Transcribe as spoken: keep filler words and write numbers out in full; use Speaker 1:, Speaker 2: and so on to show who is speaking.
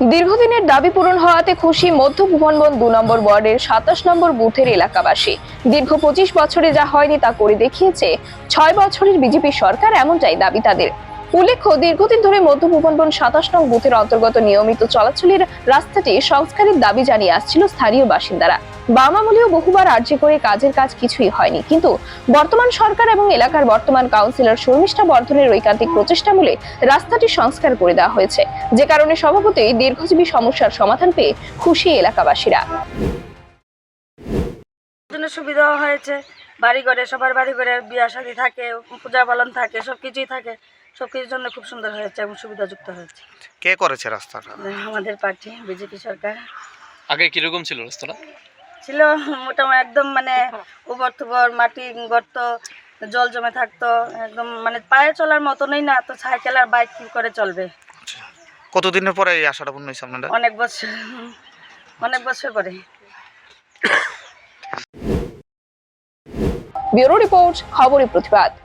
Speaker 1: দীর্ঘদিনের দাবি পূরণ হওয়াতে খুশি মধ্য ভুবনবন দু নম্বর ওয়ার্ডের সাতাশ নম্বর বুথের এলাকাবাসী। দীর্ঘ পঁচিশ বছরে যা হয়নি তা করে দেখিয়েছে ছয় বছরের বিজেপি সরকার, এমনটাই দাবি তাদের। উল্লেখ্য, দীর্ঘদিন ধরে মধ্য ভুবনবন সাতাশ নং বুথের অন্তর্গত নিয়মিত চলাচলের রাস্তাটি সংস্কারের দাবি জানিয়ে আসছিল স্থানীয় বাসিন্দারা। বাম আমলেও বহুবার আর্জি করে কাজের কাজ কিছুই হয়নি, কিন্তু বর্তমান সরকার এবং এলাকার বর্তমান কাউন্সিলর শর্মিষ্ঠা বর্ধনের ঐকান্তিক প্রচেষ্টামূলে রাস্তাটি সংস্কার করে দেওয়া হয়েছে, যে কারণে স্বভাবতই দীর্ঘজীবী সমস্যার সমাধান পেয়ে খুশি এলাকাবাসীরা।
Speaker 2: সুবিধা হয়েছে, বাড়ি ঘরে সবার বাড়ি ঘরে বিয়া শাদী থাকে, পূজা পালন থাকে, সবকিছুই থাকে। সবকিছুর জন্য খুব সুন্দর হয়েছে এবং সুবিধাযুক্ত হয়েছে।
Speaker 3: কে করেছে রাস্তাটা?
Speaker 2: আমাদের পার্টি বিজেপি সরকার।
Speaker 4: আগে কিরকম ছিল রাস্তাটা?
Speaker 2: ছিল মোটামুটি একদম মানে উবর থুবর, মাটি গর্ত, জল জমে থাকতো, একদম মানে পায়ে চলার মতনই না, তো সাইকেল আর বাইক কি করে চলবে।
Speaker 3: কতদিনের পরে এই আশাটা পূর্ণ হয়েছে আপনাদের?
Speaker 2: অনেক বছর অনেক বছর পরে।
Speaker 1: ব্যুরো রিপোর্ট, খবরের প্রতিবাদ।